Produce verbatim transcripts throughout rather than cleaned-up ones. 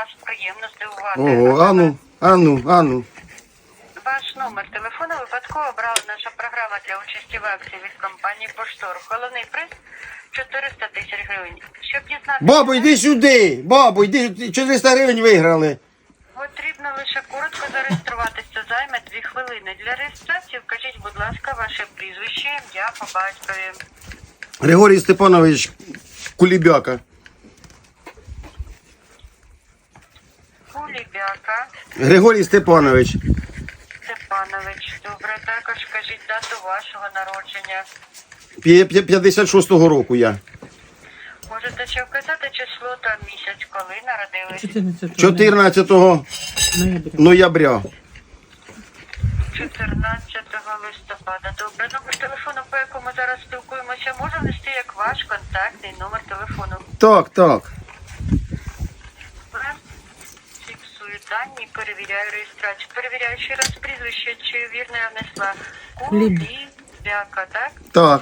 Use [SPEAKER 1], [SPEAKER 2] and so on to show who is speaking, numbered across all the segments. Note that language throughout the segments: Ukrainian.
[SPEAKER 1] вас приємно здивувати.
[SPEAKER 2] Ого, ану, ану, ану.
[SPEAKER 1] Ваш номер телефону випадково обрала наша програма для участі в акції від компанії Поштор. Головний приз чотириста тисяч гривень. Щоб дізнатися...
[SPEAKER 2] Бабу, йди сюди! Бабу, йди, чотириста гривень виграли.
[SPEAKER 1] Потрібно лише коротко зареєструватися, займе дві хвилини. Для реєстрації вкажіть, будь ласка, ваше прізвище, ім'я по батькові.
[SPEAKER 2] Григорій Степанович Кулібяка.
[SPEAKER 1] Кулібяка
[SPEAKER 2] Григорій Степанович.
[SPEAKER 1] Степанович. Добре, також кажіть дату вашого народження.
[SPEAKER 2] П'я- п'я- п'ятдесят шостого року я.
[SPEAKER 1] Можете ще вказати число та місяць, коли народились?
[SPEAKER 2] чотирнадцятого ноября.
[SPEAKER 1] чотирнадцятого листопада. Добре, номер телефону, по якому зараз спілкуємося, може внести як ваш контактний номер телефону.
[SPEAKER 2] Так, так.
[SPEAKER 1] Добре. Фіксую дані, перевіряю реєстрацію. Перевіряю ще раз прізвище, чи вірно я внесла. Кулібяка, так?
[SPEAKER 2] Так,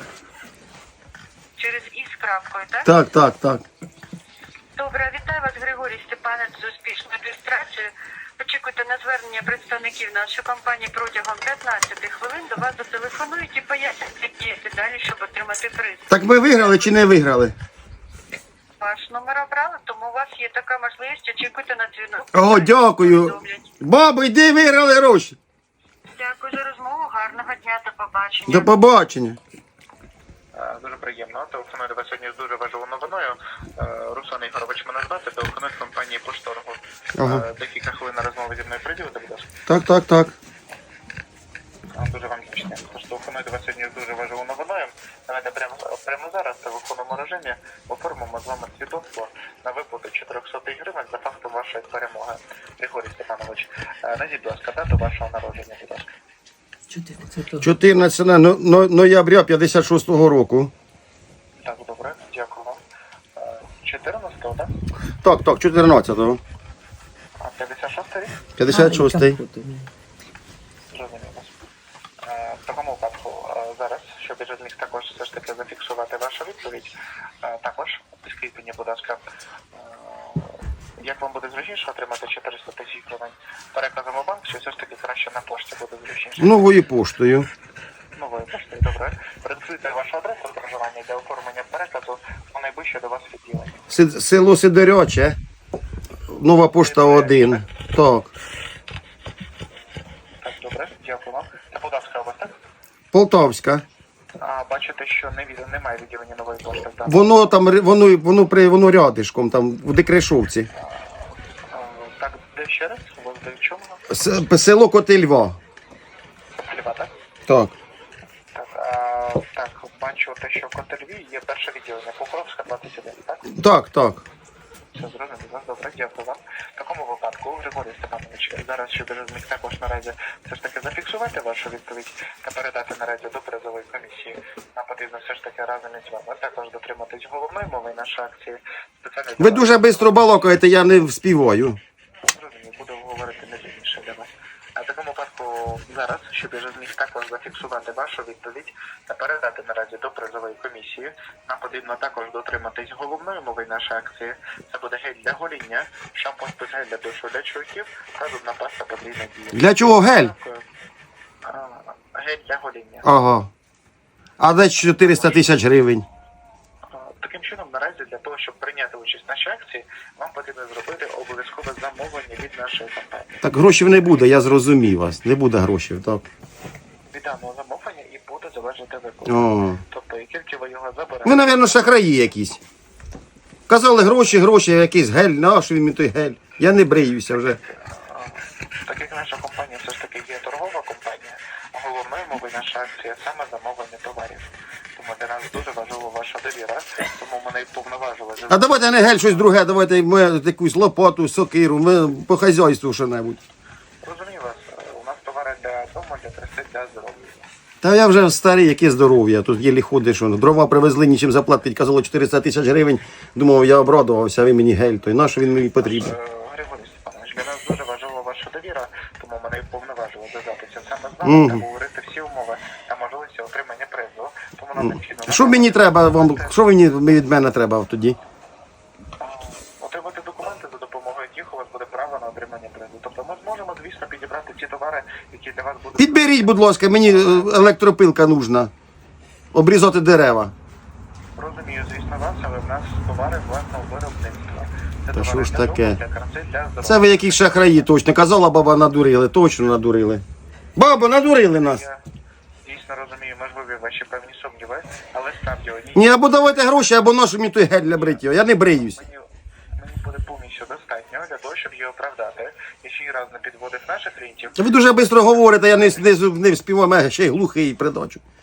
[SPEAKER 1] Через і з крапкою, так?
[SPEAKER 2] так, так, так.
[SPEAKER 1] Добре, вітаю вас, Григорій Степанович, з успішною реєстрацією. Очікуйте на звернення представників нашої компанії протягом п'ятнадцяти хвилин. До вас зателефонують і пояснять, як діяти далі, щоб отримати приз.
[SPEAKER 2] Так ми виграли чи не виграли?
[SPEAKER 1] Ваш номер обрали, тому у вас є така можливість. Очікуйте на дзвінок.
[SPEAKER 2] О, дякую.
[SPEAKER 1] Повідомлять.
[SPEAKER 2] Бабу, йди, виграли гроші.
[SPEAKER 1] Дякую за розмову. Гарного дня. До побачення.
[SPEAKER 2] До побачення.
[SPEAKER 3] Е, Дуже приємно. Телефоную до вас сьогодні з дуже важливою новиною. Е, Руслан Ігорович мене звати, телефоную з компанії Пошторгу.
[SPEAKER 2] Ага.
[SPEAKER 3] Е, Декілька хвилин на розмови зі мною приділити, будь ласка.
[SPEAKER 2] Так, так, так.
[SPEAKER 3] Е, Дуже вам вдячний. Тож телефоную до вас сьогодні з дуже важливою новиною. Давайте прямо, прямо зараз в телефонному режимі оформимо з вами свідоцтво на виплату чотириста гривень за фактом вашої перемоги. Григорій Степанович, е, назвіть, будь ласка, дату вашого народження, будь ласка.
[SPEAKER 2] чотирнадцятого но- но- ноября п'ятдесят шостого року.
[SPEAKER 3] Так, добре, дякую вам. Е, чотирнадцятого, так?
[SPEAKER 2] Так, так, чотирнадцятого.
[SPEAKER 3] А п'ятдесят шостий рік?
[SPEAKER 2] п'ятдесят шостий.
[SPEAKER 3] Зрозуміло. Е, В такому випадку е, зараз, щоб я зміг також все ж таки зафіксувати вашу відповідь, е, також скажіть мені, будь ласка, е, як вам буде зручніше отримати чотириста тисяч гривень переказом у банк, чи все ж таки краще на пошті буде зручніше?
[SPEAKER 2] Новою поштою.
[SPEAKER 3] Новою поштою, добре. Продиктуйте вашу адресу проживання для оформлення переказу у найближче до вас відділення.
[SPEAKER 2] Си- Село Сидоряче. Нова пошта один. Так.
[SPEAKER 3] Так, добре, дякую вам. Та Полтавська область, так?
[SPEAKER 2] Полтавська.
[SPEAKER 3] А бачите, що не від... немає відділення нової пошти в даному.
[SPEAKER 2] Воно там ри- воно воно при воно рядишком, там в Декрешовці.
[SPEAKER 3] Е, Так, де ще раз? У вас де в чому?
[SPEAKER 2] С- Село Котельва.
[SPEAKER 3] Льва, так?
[SPEAKER 2] Так.
[SPEAKER 3] Так, а, так, бачу те, що в Котельві є перше відділення, Покровська, двадцять один, так?
[SPEAKER 2] Так, так.
[SPEAKER 3] Все зрозуміло, добре, дякую вам. В такому випадку, Григорій Степанович, зараз, щоб я зміг також наразі все ж таки зафіксувати вашу відповідь та передати наразі до призової комісії, нам потрібно все ж таки разом із вами також дотриматись головної мови нашої акції. Спеціально
[SPEAKER 2] Ви дуже швидко балакаєте, я не вспіваю.
[SPEAKER 3] Зрозуміло, буду говорити не пізніше для вас. А в такому випадку зараз, щоб я вже зміг також зафіксувати вашу відповідь та передати наразі до призової комісії, нам потрібно також дотриматись головної мови нашої акції. Це буде гель для гоління, шампунь плюс гель для душу для чоловіків та зубна паста подвійна дія.
[SPEAKER 2] Для чого гель?
[SPEAKER 3] Дякую. А, Гель для гоління.
[SPEAKER 2] Ага. А де чотириста тисяч гривень?
[SPEAKER 3] А, Таким чином, наразі для того, щоб прийняти участь в нашій акції, вам потрібно зробити обов'язкове замовлення від нашої компанії.
[SPEAKER 2] Так грошей не буде, я зрозумів вас. Не буде грошей, так.
[SPEAKER 3] Від даного замовлення і буде залежати виплата.
[SPEAKER 2] О.
[SPEAKER 3] Тобто, і тільки ви його заберете.
[SPEAKER 2] Ви, мабуть, шахраї якісь. Казали гроші, гроші, якийсь гель, на що він мені той гель? Я не бриюся вже.
[SPEAKER 3] Так як наша компанія все ж таки є торгова компанія, головною мовою наша акція саме замовлення товарів. Тому для нас дуже важлива ваша довіра, тому мене й повноважили.
[SPEAKER 2] А давайте не гель, щось друге, давайте ми якусь лопату, сокиру, ми по хазяйству що-небудь.
[SPEAKER 3] Розумію вас, у нас товари для дому, для краси, для здоров'я.
[SPEAKER 2] Та я вже старий, яке здоров'я, тут єлі ходиш, що дрова привезли, нічим заплатить, казало чотириста тисяч гривень. Думав, я обрадувався, а ви мені гель, то й на що він мені потрібен?
[SPEAKER 3] Е, Григорій Степанович, для нас дуже важлива ваша довіра, тому мене й повноважили зв'язатися саме з нами та говорити всі умови та можливості отримання призу. Тому нам необхідно...
[SPEAKER 2] Що мені треба вам, що мені від мене треба тоді?
[SPEAKER 3] Отримати документи, за допомогою яких у вас буде право на отримання призу. Тобто ми зможемо, звісно, підібрати ті товари, які для вас будуть...
[SPEAKER 2] Підберіть, будь ласка, мені е, електропилка нужна. Обрізати дерева.
[SPEAKER 3] Розумію, звісно, вас, але в нас товари власного виробництва. Це
[SPEAKER 2] Та
[SPEAKER 3] товари
[SPEAKER 2] що ж
[SPEAKER 3] для
[SPEAKER 2] таке?
[SPEAKER 3] дому, для краси, для здоров'я.
[SPEAKER 2] Це ви якісь шахраї, точно. Казала баба, надурили, точно надурили. Баба, надурили нас.
[SPEAKER 3] Я дійсно розумію, можливі ваші певні сумніви, але справді одні...
[SPEAKER 2] Ні, або давайте гроші, або нашу мені той гель для бриття. Я не бриюсь.
[SPEAKER 3] Мені, мені буде повністю достатньо для того, щоб її оправдати. Я ще й раз не підводив наших клієнтів.
[SPEAKER 2] Ви дуже швидко говорите, я не, не, не вспіваю, я ще й глухий придачу.